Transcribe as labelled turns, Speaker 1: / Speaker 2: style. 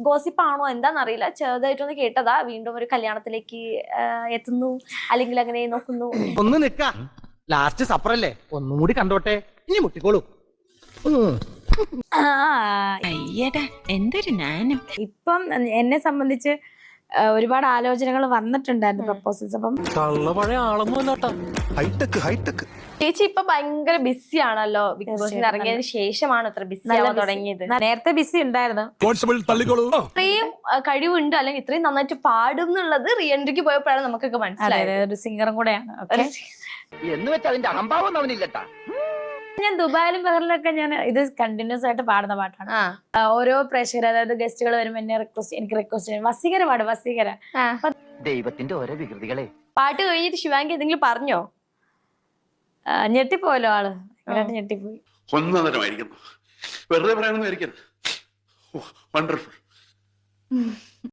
Speaker 1: ഗോസിപ്പാണോ എന്താണെന്നറിയില്ല, ചെറുതായിട്ടൊന്ന് കേട്ടതാ. വീണ്ടും ഒരു കല്യാണത്തിലേക്ക് എത്തുന്നു, അല്ലെങ്കിൽ അങ്ങനെ നോക്കുന്നു.
Speaker 2: ഒന്ന് നിക്ക, ലാസ്റ്റ് സപ്പറല്ലേ, ഒന്നും കൂടി കണ്ടോട്ടെ, ഇനി മുട്ടിക്കോളൂ.
Speaker 3: എന്തൊരു നാനം.
Speaker 1: ഇപ്പം എന്നെ സംബന്ധിച്ച് ഒരുപാട് ആലോചനകൾ വന്നിട്ടുണ്ടായിരുന്നു, പ്രപ്പോസൽസ്. അപ്പം ചേച്ചി ഇപ്പൊ ഭയങ്കര ബിസി ആണല്ലോ, ബിഗ് ബോസിൽ ഇറങ്ങിയതിന് ശേഷമാണ് അത്ര ബിസി ആവാൻ തുടങ്ങിയത്. നേരത്തെ ബിസി ഉണ്ടായിരുന്നു. ഇത്രയും കഴിവുണ്ട്, അല്ലെങ്കിൽ ഇത്രയും നന്നായിട്ട് പാടും എന്നുള്ളത് റീ എൻട്രിക്ക് പോയപ്പോഴാണ് നമുക്കൊക്കെ മനസ്സിലായത്.
Speaker 3: ഒരു സിംഗറും കൂടെയാണ്.
Speaker 2: എന്ന് വെച്ചാൽ അതിന്റെ അഹംഭാവം അവനില്ലട്ടാ.
Speaker 1: ഞാൻ ദുബായിലും ബഹറിലൊക്കെ ഞാൻ ഇത് കണ്ടിന്യൂസ് ആയിട്ട് പാടുന്ന പാട്ടാണ്. ഓരോ പ്രേക്ഷകർ, അതായത് ഗസ്റ്റുകൾ വരുമ്പോൾ എന്നെ എനിക്ക് റിക്വസ്റ്റ് ചെയ്യും, വസീകര പാട്, വസീകര.
Speaker 2: ദൈവത്തിന്റെ ഓരോ വികൃതികളെ.
Speaker 1: പാട്ട് കഴിഞ്ഞിട്ട് ശിവാങ്കി എന്തെങ്കിലും പറഞ്ഞോ? ഞെട്ടിപ്പോയല്ലോ ആള്, ഞെട്ടിപ്പോയി.
Speaker 4: ഒന്നരമായിരിക്കുന്നു, വെറുതെ പറയാനൊന്നും ആയിരിക്കരുത്. വണ്ടർഫുൾ.